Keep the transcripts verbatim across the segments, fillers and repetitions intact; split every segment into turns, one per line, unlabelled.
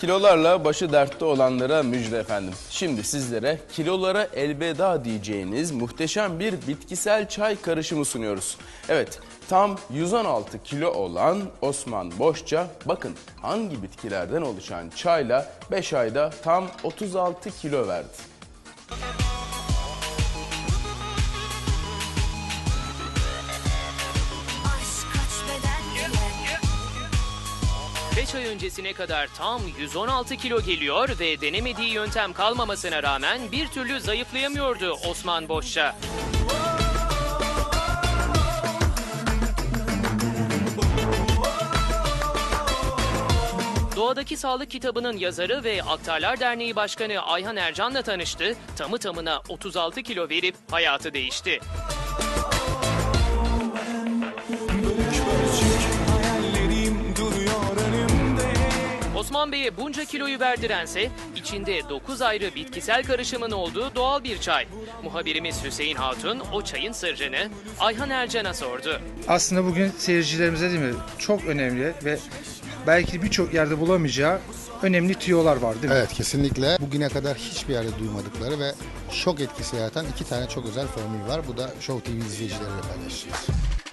Kilolarla başı dertte olanlara müjde efendim. Şimdi sizlere kilolara elveda diyeceğiniz muhteşem bir bitkisel çay karışımı sunuyoruz. Evet, tam yüz on altı kilo olan Osman Boşça, bakın hangi bitkilerden oluşan çayla beş ayda tam otuz altı kilo verdi.
beş ay öncesine kadar tam yüz on altı kilo geliyor ve denemediği yöntem kalmamasına rağmen bir türlü zayıflayamıyordu Osman Boşça. Doğadaki Sağlık kitabının yazarı ve Aktarlar Derneği Başkanı Ayhan Ercan'la tanıştı. Tamı tamına otuz altı kilo verip hayatı değişti. Osman Bey'e bunca kiloyu verdirense içinde dokuz ayrı bitkisel karışımın olduğu doğal bir çay. Muhabirimiz Hüseyin Hatun o çayın sırrını Ayhan Ercan'a sordu.
Aslında bugün seyircilerimize değil mi çok önemli ve belki birçok yerde bulamayacağı önemli tüyolar var değil mi?
Evet, kesinlikle. Bugüne kadar hiçbir yerde duymadıkları ve şok etkisi yaratan iki tane çok özel formül var. Bu da Show T V izleyicileriyle paylaşacağız.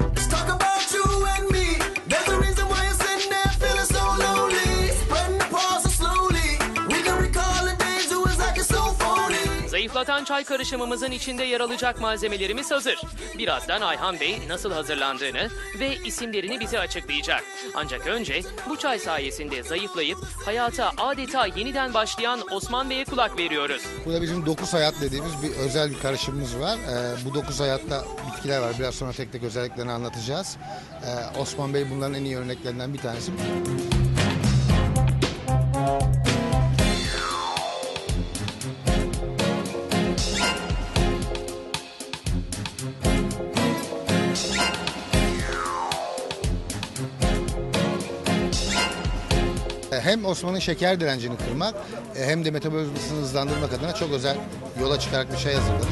Zayıflatan çay karışımımızın içinde yer alacak malzemelerimiz hazır. Birazdan Ayhan Bey nasıl hazırlandığını ve isimlerini bize açıklayacak. Ancak önce bu çay sayesinde zayıflayıp hayata adeta yeniden başlayan Osman Bey'e kulak veriyoruz.
Burada bizim dokuz hayat dediğimiz bir özel bir karışımımız var. Ee, bu dokuz hayatta bitkiler var. Biraz sonra tek tek özelliklerini anlatacağız. Ee, Osman Bey bunların en iyi örneklerinden bir tanesi. Hem Osman'ın şeker direncini kırmak hem de metabolizmasını hızlandırmak adına çok özel yola çıkarak bir şey hazırladık.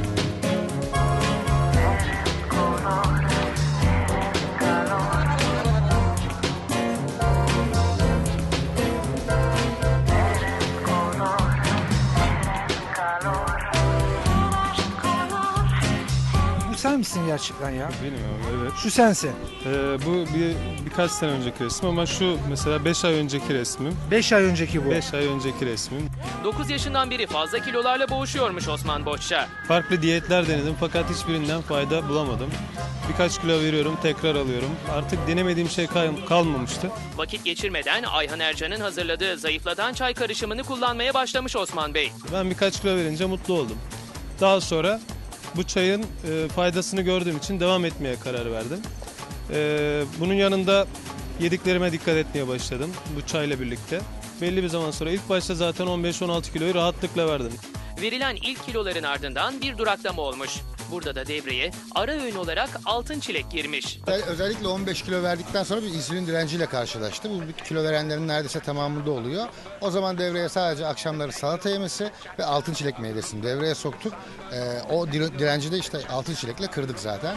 Bu sen misin gerçekten ya?
Benim abi, evet.
Şu sensin.
Ee, bu bir birkaç sene önceki resim ama şu mesela beş ay önceki resmim.
beş ay önceki bu.
beş ay önceki resmim.
dokuz yaşından beri fazla kilolarla boğuşuyormuş Osman Boşça.
Farklı diyetler denedim fakat hiçbirinden fayda bulamadım. Birkaç kilo veriyorum, tekrar alıyorum. Artık denemediğim şey kal- kalmamıştı.
Vakit geçirmeden Ayhan Ercan'ın hazırladığı zayıflatan çay karışımını kullanmaya başlamış Osman Bey.
Ben birkaç kilo verince mutlu oldum. Daha sonra bu çayın e, faydasını gördüğüm için devam etmeye karar verdim. E, bunun yanında yediklerime dikkat etmeye başladım bu çayla birlikte. Belli bir zaman sonra ilk başta zaten on beş on altı kiloyu rahatlıkla verdim.
Verilen ilk kiloların ardından bir duraklama olmuş. Burada da devreye ara öğün olarak altın çilek girmiş.
Özellikle on beş kilo verdikten sonra bir insülin direnciyle karşılaştı. Bu kilo verenlerin neredeyse tamamında oluyor. O zaman devreye sadece akşamları salata yemesi ve altın çilek meyvesini devreye soktuk. Ee, o direnci de işte altın çilekle kırdık zaten.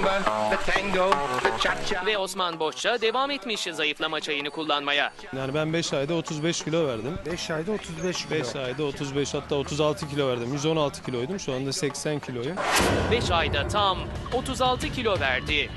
Ve Osman Boşça devam etmiş zayıflama çayını kullanmaya.
Yani ben beş ayda otuz beş kilo verdim.
beş ayda otuz beş kilo.
beş ayda otuz beş hatta otuz altı kilo verdim. yüz on altı kiloydum. Şu anda seksen kiloyum.
beş ayda tam otuz altı kilo verdi.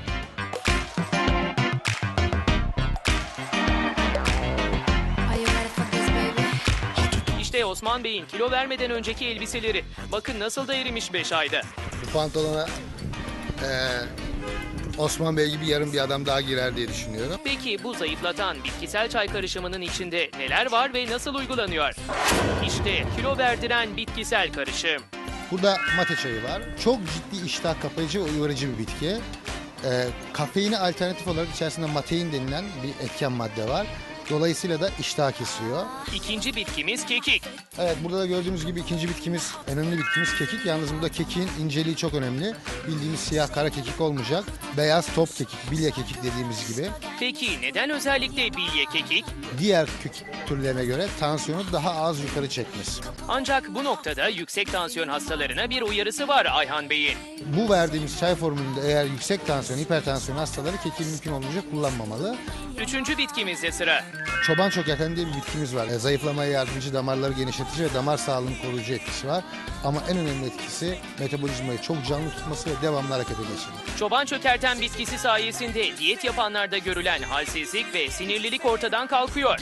İşte Osman Bey'in kilo vermeden önceki elbiseleri. Bakın nasıl da erimiş beş ayda.
Bu pantolona e, Osman Bey gibi yarın bir adam daha girer diye düşünüyorum.
Peki bu zayıflatan bitkisel çay karışımının içinde neler var ve nasıl uygulanıyor? İşte kilo verdiren bitkisel karışım.
Burada mate çayı var. Çok ciddi iştah kapayıcı ve uyarıcı bir bitki. E, kafeine alternatif olarak içerisinde matein denilen bir etken madde var. Dolayısıyla da iştah kesiyor.
İkinci bitkimiz kekik.
Evet, burada da gördüğümüz gibi ikinci bitkimiz, önemli bitkimiz kekik. Yalnız burada kekiğin inceliği çok önemli. Bildiğimiz siyah kara kekik olmayacak. Beyaz top kekik, bilye kekik dediğimiz gibi.
Peki neden özellikle bilye kekik?
Diğer kekik türlerine göre tansiyonu daha az yukarı çekmesi.
Ancak bu noktada yüksek tansiyon hastalarına bir uyarısı var Ayhan Bey'in.
Bu verdiğimiz çay formülünde eğer yüksek tansiyon, hipertansiyon hastaları kekiği mümkün olunca kullanmamalı.
Üçüncü bitkimizde sıra.
Çoban çökerten diye bir bitkimiz var. E, zayıflamaya yardımcı, damarları genişletici ve damar sağlığını koruyucu etkisi var. Ama en önemli etkisi metabolizmayı çok canlı tutması ve devamlı harekete geçirmek.
Çoban çökerten bitkisi sayesinde diyet yapanlarda görülen halsizlik ve sinirlilik ortadan kalkıyor.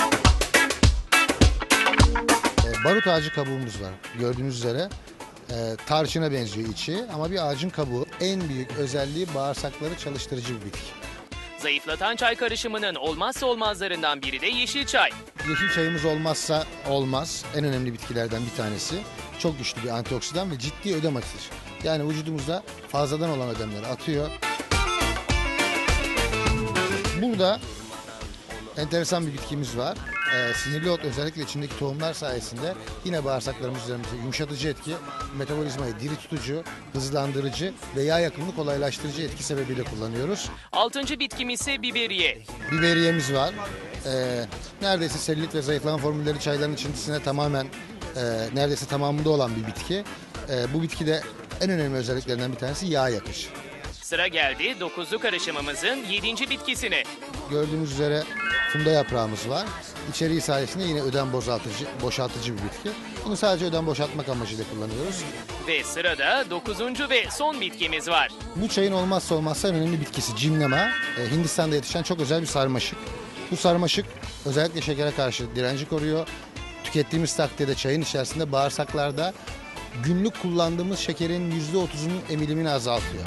E, barut ağacı kabuğumuz var. Gördüğünüz üzere e, tarçına benziyor içi ama bir ağacın kabuğu. En büyük özelliği bağırsakları çalıştırıcı bir bitki.
Zayıflatan çay karışımının olmazsa olmazlarından biri de yeşil çay.
Yeşil çayımız olmazsa olmaz. En önemli bitkilerden bir tanesi. Çok güçlü bir antioksidan ve ciddi ödem atıcı. Yani vücudumuzda fazladan olan ödemleri atıyor. Burada enteresan bir bitkimiz var. Ee, sinirli ot özellikle içindeki tohumlar sayesinde yine bağırsaklarımız üzerinde yumuşatıcı etki, metabolizmayı diri tutucu, hızlandırıcı ve yağ yakımını kolaylaştırıcı etki sebebiyle kullanıyoruz.
Altıncı bitkimiz ise biberiye.
Biberiyemiz var. Ee, neredeyse selülit ve zayıflama formülleri çayların içindisine tamamen e, neredeyse tamamında olan bir bitki. E, bu bitkide en önemli özelliklerinden bir tanesi yağ yakışı.
Sıra geldi dokuzlu karışımımızın yedinci bitkisine.
Gördüğünüz üzere funda yaprağımız var. İçeriği sayesinde yine ödem boşaltıcı, boşaltıcı bir bitki. Bunu sadece ödem boşaltmak amacıyla kullanıyoruz.
Ve sırada dokuzuncu ve son bitkimiz var.
Bu çayın olmazsa olmazsa en önemli bitkisi cimnema. E, Hindistan'da yetişen çok özel bir sarmaşık. Bu sarmaşık özellikle şekere karşı direnci koruyor. Tükettiğimiz takdirde çayın içerisinde bağırsaklarda günlük kullandığımız şekerin yüzde otuzunun emilimini azaltıyor.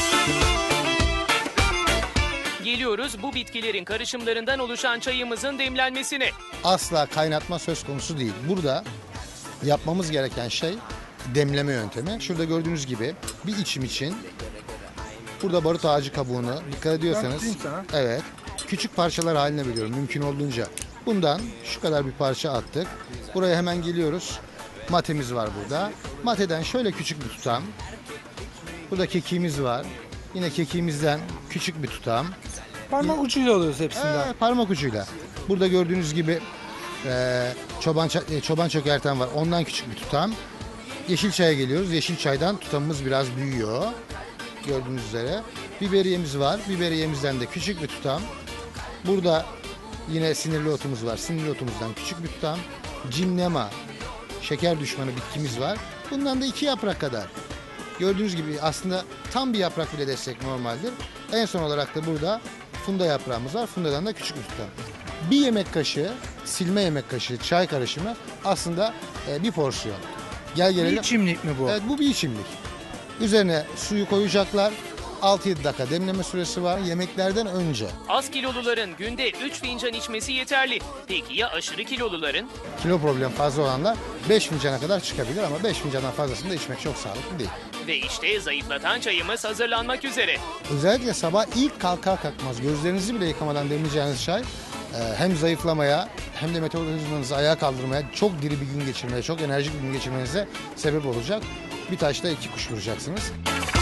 Geliyoruz bu bitkilerin karışımlarından oluşan çayımızın demlenmesine.
Asla kaynatma söz konusu değil. Burada yapmamız gereken şey demleme yöntemi. Şurada gördüğünüz gibi bir içim için burada barut ağacı kabuğunu dikkat ediyorsanız
tutayım sana.
evet küçük parçalar haline bölüyorum mümkün olduğunca. Bundan şu kadar bir parça attık. Buraya hemen geliyoruz. Matemiz var burada. Mateden şöyle küçük bir tutam. Burada kekiğimiz var. Yine kekiğimizden küçük bir tutam.
Parmak ucuyla alıyoruz hepsinden.
Ee, parmak ucuyla. Burada gördüğünüz gibi e, çoban ça- e, çoban çökerten var. Ondan küçük bir tutam. Yeşil çaya geliyoruz. Yeşil çaydan tutamımız biraz büyüyor. Gördüğünüz üzere. Biberiyemiz var. Biberiyemizden de küçük bir tutam. Burada yine sinirli otumuz var. Sinirli otumuzdan küçük bir tutam. Cimnema, şeker düşmanı bitkimiz var. Bundan da iki yaprak kadar. Gördüğünüz gibi aslında tam bir yaprak bile destek normaldir. En son olarak da burada funda yaprağımız var. Fundadan da küçük bir tutam. Bir yemek kaşığı, silme yemek kaşığı çay karışımı aslında e, bir porsiyon. Gel
Bir
gelelim.
içimlik mi bu?
Evet, bu bir içimlik. Üzerine suyu koyacaklar. altı yedi dakika demleme süresi var yemeklerden önce.
Az kiloluların günde üç fincan içmesi yeterli. Peki ya aşırı kiloluların?
Kilo problem fazla olanlar beş fincana kadar çıkabilir ama beş fincandan fazlasını da içmek çok sağlıklı değil.
Ve işte zayıflatan çayımız hazırlanmak üzere.
Özellikle sabah ilk kalkar kalkmaz gözlerinizi bile yıkamadan demleyeceğiniz çay e, hem zayıflamaya hem de metabolizmanızı ayağa kaldırmaya, çok diri bir gün geçirmeye, çok enerjik bir gün geçirmenize sebep olacak. Bir taşla iki kuş vuracaksınız.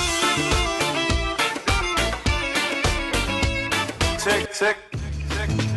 Check, check, check.